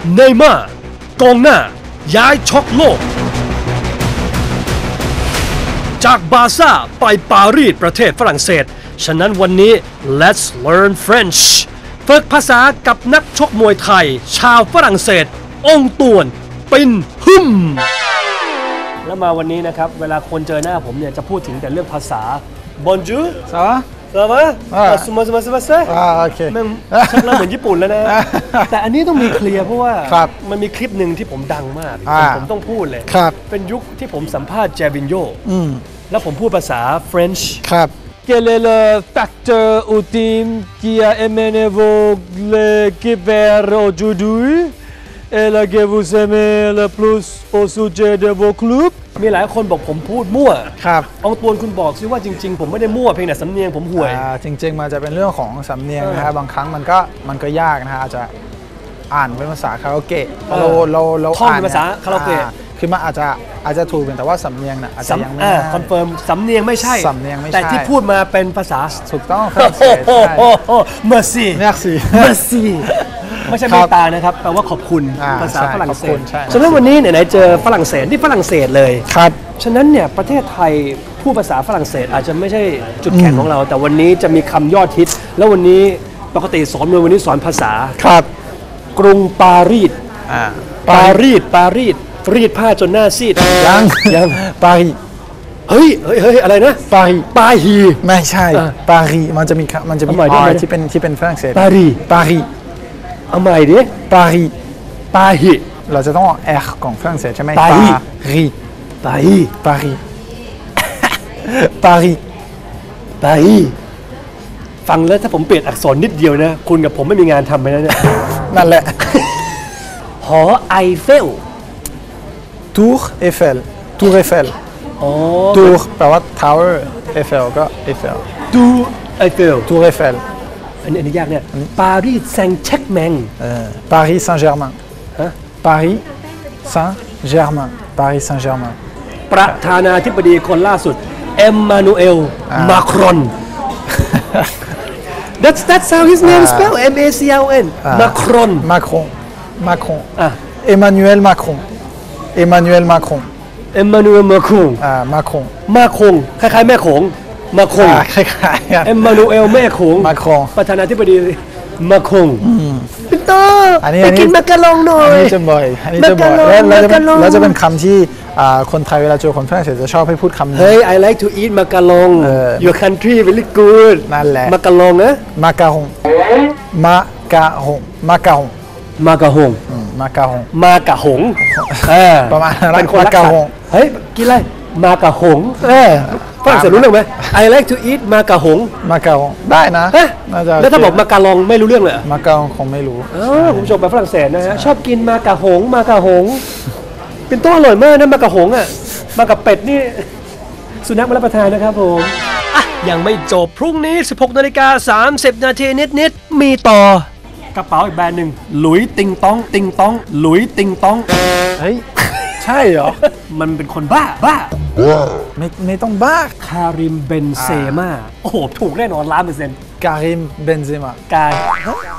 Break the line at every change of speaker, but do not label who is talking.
เนย์ม่าร์กองหน้าย้ายช็อกโลกจากบาร์ซ่าไปปารีสประเทศฝรั่งเศสฉะนั้นวันนี้ let's learn French ฝึกภาษากับนักชกมวยไทยชาวฝรั่งเศสองตวนปินฮึมแล้วมาวันนี้นะครับเวลาคนเจอหน้าผมเนี่ยจะพูดถึงแต่เรื่องภาษา Bonjour
Ça va
ça va
โอเค
มันชักเริ่มเหมือนญี่ปุ่นแล้วนะ แต่อันนี้ต้องมีเคลียร์เพราะว่ามันมีคลิปหนึ่งที่ผมดังมากผมต้องพูดเลยเป็นยุคที่ผมสัมภาษณ์เจวินโยแล้วผมพูดภาษา French Quel est le facteur ultime qui a amené l'équipe vers aujourd'hui et la que vous aimez le plus au sujet de vos clubs มีหลายคนบอกผมพูดมั่วองตวนคุณบอกซิว่าจริงๆผมไม่ได้มั่วเพียงแต่สำเนียงผมห่วย
จริงๆมันจะเป็นเรื่องของสำเนียงนะฮะบางครั้งมันก็ยากนะฮะอาจจะอ่านเป็นภาษาคาราโอเกะเรา
ท่องเป็นภาษาคาราโอเกะ
คือมันอาจจะถูกแต่ว่าสำเนียงน่ะอาจจะยังไม่
คอนเฟิร์มสำเนียงไม่ใช่แต่ที่พูดมาเป็นภาษา
ถูกต้องครับ
เมอร์ซี่ไม่ใช่เมตตานะครับแปลว่าขอบคุณภาษาฝรั่งเศสฉะนั้นวันนี้ไหนๆเจอฝรั่งเศสที่ฝรั่งเศสเลย
ครับ
ฉะนั้นเนี่ยประเทศไทยพูดภาษาฝรั่งเศสอาจจะไม่ใช่จุดแข็งของเราแต่วันนี้จะมีคำยอดฮิตแล้ววันนี้ปกติสอนมวยวันนี้สอนภาษา
ครับ
กรุงปารีสปารีสรีดผ้าจนหน้าซีดยัง
ปารีส
เฮ้ยอะไรนะ
ปารีไม่ใช่ปารีมันจะมีที่เป็นฝรั่งเศส
ปารีเอาใหม่ดิ
ปารีเราจะต้องออก R ของฝรั่งเศสใช่ไหม
ปารีฟังแล้วถ้าผมเปลี่ยนอักษรนิดเดียวนะคุณกับผมไม่มีงานทำไปแล้วเนี่ย
นั่นแหละ
หอไอเฟล
Tour Eiffel Tour แปลว่า Tower Eiffel ก็ Eiffel Tour Eiffel
อันนี้ยากเนี่ยปารีสแซงแชกแมง
Paris Saint-Germain Paris Saint-Germain
ประธานาธิบดีคนล่าสุดเอ็มมานูเอลมาครอน That's how his name is spelled M-A-C-R-O-N
Macron Emmanuel Macronคล้
ายๆแม่โขงมาคง
คล้ายๆ
เอ็มมานูเอลแม่โขงประธานาธิบดีมาคงพี่โตไปกินมักกะลองหน่อย
อันนี้จะบ่อยแล้วจะเป็นคำที่คนไทยเวลาเจอคนฝรั่งเศสจะชอบให้พูดคำนี้
Hey I like to eat มักกะลอง Your country very good
นั่นแหละ
มักกะลองนะ
มักกะฮงประมาณ
เป็นคนรักสัตว์เฮ้ยกินอะไรมากะหงฝรั่งเศสรู้เรื่องไหม I like to eat มากะหง
ได้นะ
แล้วถ้าบอกมากะลองไม่รู้เรื่องเลย
มากะลองคงไม่รู้
คุณผู้ชมไปฝรั่งเศสนะฮะชอบกินมากะหงเป็นต้นอร่อยมากนะมากะหงอ่ะมากับเป็ดนี่สุนัขมารับประทานนะครับผมยังไม่จบพรุ่งนี้ 16:30 น.นิดมีต่อกระเป๋าอีกแบรนด์หนึ่งหลุยติงต้องหลุยติงต้อง
เฮ้ยใช่เหรอ
มันเป็นคนบ้า
ไม่ต้องบ้า
คาริมเบนเซม่าโอ้โหถูกแน่นอน1,000,000%
คาริมเบนเซม่า